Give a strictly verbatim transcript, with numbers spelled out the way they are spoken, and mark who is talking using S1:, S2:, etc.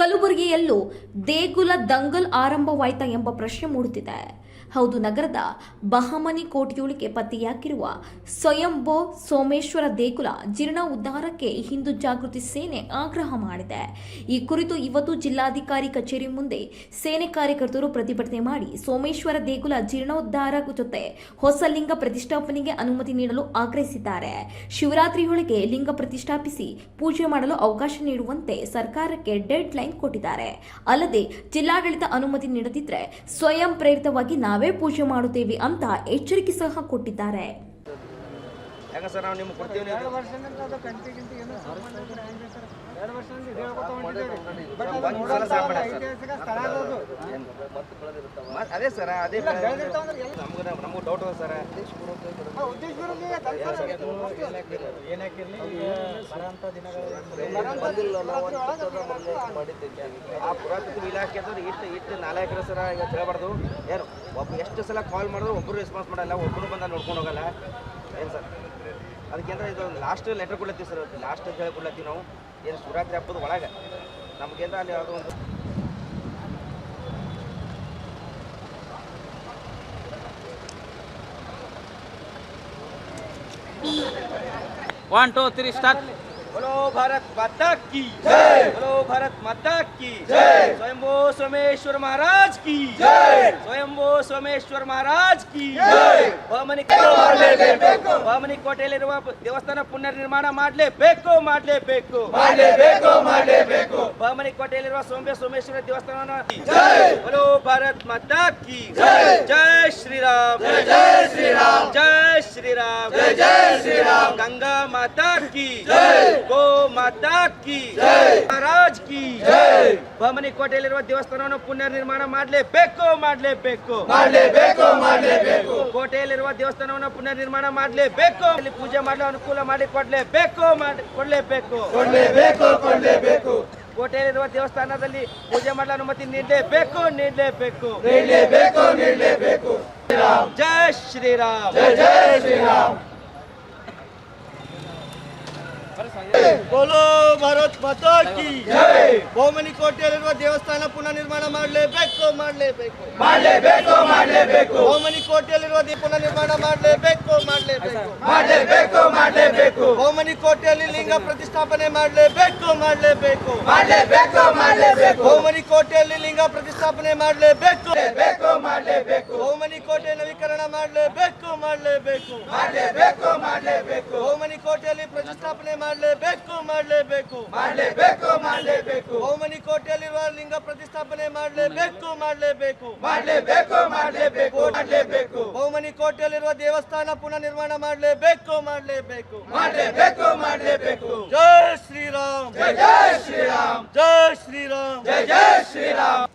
S1: ಕಲಬುರಗಿಯಲ್ಲೂ ದೇಗುಲ ದಂಗಲ್ ಆರಂಭವಾಯಿತಾ ಎಂಬ ಪ್ರಶ್ನೆ ಮೂಡುತ್ತಿದೆ. ಹೌದು, ನಗರದ ಬಹಮನಿ ಕೋಟೆಯೊಳಗೆ ಪತ್ತೆಯಾಗಿರುವ ಸ್ವಯಂಭೋ ಸೋಮೇಶ್ವರ ದೇಗುಲ ಜೀರ್ಣ ಉದ್ಧಾರಕ್ಕೆ ಹಿಂದೂ ಜಾಗೃತಿ ಸೇನೆ ಆಗ್ರಹ ಮಾಡಿದೆ. ಈ ಕುರಿತು ಇವತ್ತು ಜಿಲ್ಲಾಧಿಕಾರಿ ಕಚೇರಿ ಮುಂದೆ ಸೇನೆ ಕಾರ್ಯಕರ್ತರು ಪ್ರತಿಭಟನೆ ಮಾಡಿ ಸೋಮೇಶ್ವರ ದೇಗುಲ ಜೀರ್ಣೋದ್ಧಾರ ಜೊತೆ ಹೊಸ ಲಿಂಗ ಪ್ರತಿಷ್ಠಾಪನೆಗೆ ಅನುಮತಿ ನೀಡಲು ಆಗ್ರಹಿಸಿದ್ದಾರೆ. ಶಿವರಾತ್ರಿಯೊಳಗೆ ಲಿಂಗ ಪ್ರತಿಷ್ಠಾಪಿಸಿ ಪೂಜೆ ಮಾಡಲು ಅವಕಾಶ ನೀಡುವಂತೆ ಸರ್ಕಾರಕ್ಕೆ ಡೆಡ್ ಲೈನ್ ಕೊಟ್ಟಿದ್ದಾರೆ. ಅಲ್ಲದೆ ಜಿಲ್ಲಾಡಳಿತ ಅನುಮತಿ ನೀಡದಿದ್ದರೆ ಸ್ವಯಂ ಪ್ರೇರಿತವಾಗಿ ನಾವೇ ಪೂಜೆ ಮಾಡುತ್ತೇವೆ ಅಂತ ಎಚ್ಚರಿಕೆ ಸಹ ಕೊಟ್ಟಿದ್ದಾರೆ.
S2: ಅದೇ ಸರ್, ಅದೇ ನಮಗೂ ಡೌಟ್ ಅದ ಸರ್. ಆ ಪುರಾತತ್ವ ಇಲಾಖೆ ಅಂದ್ರೆ ಇಷ್ಟು ಇಷ್ಟು ನಾಲ್ಕರ ಸರ ಈಗ ಹೇಳಬಾರ್ದು. ಏನು ಒಬ್ಬ ಎಷ್ಟು ಸಲ ಕಾಲ್ ಮಾಡಿದ್ರು ಒಬ್ಬರು ರೆಸ್ಪಾನ್ಸ್ ಮಾಡಲ್ಲ, ಒಬ್ಬರು ಬಂದ ನೋಡ್ಕೊಂಡು ಹೋಗಲ್ಲ. ಏನು ಸರ್, ಅದಕ್ಕೆಂದ್ರೆ ಇದು ಲಾಸ್ಟ್ ಲೆಟರ್ ಕೊಡ್ಲತ್ತೀವಿ ಸರ್. ಲಾಸ್ಟ್ ಅಂತ ಹೇಳಿ ಕೊಡ್ಲತ್ತೀವಿ ನಾವು. ಏನು ಶಿವರಾತ್ರಿ ಹಬ್ಬದ ಒಳಗೆ ನಮಗೇಂದ್ರ ಅಲ್ಲಿ ಯಾವುದೋ ಒಂದು
S3: वन टू थ्री स्टार्ट.
S2: बोलो भारत माता की जय, बोलो भारत माता की जय, स्वयंभो सोमेश्वर महाराज की जय, स्वयंभो सोमेश्वर महाराज की जय. ಬಹಮನಿ ಬಹಮನಿ ಕೋಟೆಯಲ್ಲಿರುವ ದೇವಸ್ಥಾನ ಪುನರ್ ನಿರ್ಮಾಣ ಮಾಡಲೇಬೇಕು ಮಾಡಲೇಬೇಕು ಮಾಡಲೇಬೇಕು ಮಾಡಲೇಬೇಕು. ಬಹಮನಿ ಕೋಟೆಯಲ್ಲಿರುವ ಸೋಮ್ಯ ಸೋಮೇಶ್ವರ ದೇವಸ್ಥಾನ ಜೈ, बोलो भारत माता की जय, जय श्री राम, जय जय श्री राम, जय श्री राम, जय जय श्री राम. गंगा माता की जय, गो माता की जय, महाराज की जय. ಬಹಮನಿ ಕೋಟೆಯಲ್ಲಿರುವ ದೇವಸ್ಥಾನವನ್ನು ಪುನರ್ ನಿರ್ಮಾಣ ಮಾಡಲೇಬೇಕು ಮಾಡಲೇಬೇಕು ಮಾಡಲೇಬೇಕು ಮಾಡಲೇಬೇಕು. ಕೋಟೆಯಲ್ಲಿರುವ ದೇವಸ್ಥಾನವನ್ನು ಪುನರ್ ನಿರ್ಮಾಣ ಮಾಡಲೇಬೇಕು. ಇಲ್ಲಿ ಪೂಜೆ ಮಾಡಲು ಅನುಕೂಲ ಮಾಡಿ ಕೊಡಲೇಬೇಕು ಕೊಡಲೇಬೇಕು ಕೊಡಲೇಬೇಕು ಕೊಡಲೇಬೇಕು. ಕೋಟೆಯಲ್ಲಿರುವ ದೇವಸ್ಥಾನದಲ್ಲಿ ಪೂಜೆ ಮಾಡಲು ಅನುಮತಿ ನೀಡಲೇಬೇಕು ನೀಡಲೇಬೇಕು ನೀಡಲೇಬೇಕು ನೀಡಲೇಬೇಕು. ಜೈ ಶ್ರೀರಾಮ್, ಜೈ ಜೈ ಶ್ರೀರಾಮ್.
S4: बोलो भारत माता की जय. ಬಹಮನಿ ಕೋಟೆಯಲ್ಲಿರುವ ದೇವಸ್ಥಾನ ಪುನಃ ನಿರ್ಮಾಣ ಮಾಡಲೇಬೇಕು ಮಾಡಲೇಬೇಕು ಮಾಡಲೇಬೇಕು ಮಾಡಲೇಬೇಕು. ಬಹಮನಿ ಕೋಟೆಯಲ್ಲಿರುವ ಪುನಃ ನಿರ್ಮಾಣ ಮಾಡಲೇಬೇಕು ಮಾಡಲೇಬೇಕು ಮಾಡಲೇಬೇಕು ಮಾಡಲೇಬೇಕು. ಬಹಮನಿ ಕೋಟೆಯಲ್ಲಿ ಲಿಂಗ ಪ್ರತಿಷ್ಠಾಪನೆ ಮಾಡಲೇಬೇಕು ಮಾಡಲೇಬೇಕು ಮಾಡಲೇಬೇಕು ಮಾಡಲೇಬೇಕು. ಬಹಮನಿ ಕೋಟೆಯಲ್ಲಿ ಲಿಂಗ ಪ್ರತಿಷ್ಠಾಪನೆ ಮಾಡಲೇಬೇಕು ಮಾಡಲೇಬೇಕು. ಬಹಮನಿ ಕೋಟೆ ನವೀಕರಣ ಮಾಡಲೇಬೇಕು ಮಾಡಲೇಬೇಕು ಮಾಡಲೇಬೇಕು ಮಾಡಲೇಬೇಕು. ಬಹಮನಿ ಕೋಟೆಯಲ್ಲಿ ಪ್ರತಿಷ್ಠಾಪನೆ ಮಾಡಲೇಬೇಕು ಮಾಡಲೇಬೇಕು ಮಾಡಲೇಬೇಕು ಮಾಡಲೇಬೇಕು. ಬಹಮನಿ ಕೋಟೆಯಲ್ಲಿರುವ ಲಿಂಗ ಪ್ರತಿಷ್ಠಾಪನೆ ಮಾಡಲೇಬೇಕು ಮಾಡಲೇಬೇಕು ಮಾಡಲೇಬೇಕು ಮಾಡಲೇಬೇಕು ಮಾಡಲೇಬೇಕು. ಬಹಮನಿ ಕೋಟೆಯಲ್ಲಿರುವ ದೇವಸ್ಥಾನ ಪುನಃ ನಿರ್ಮಾಣ ಮಾಡಲೇಬೇಕು ಮಾಡಲೇಬೇಕು ಮಾಡಲೇಬೇಕು ಮಾಡಲೇಬೇಕು. ಜೈ ಶ್ರೀರಾಮ್, ಜೈ ಜೈ ಶ್ರೀರಾಮ್, ಜೈ ಶ್ರೀರಾಮ್, ಜೈ ಜೈ ಶ್ರೀರಾಮ್.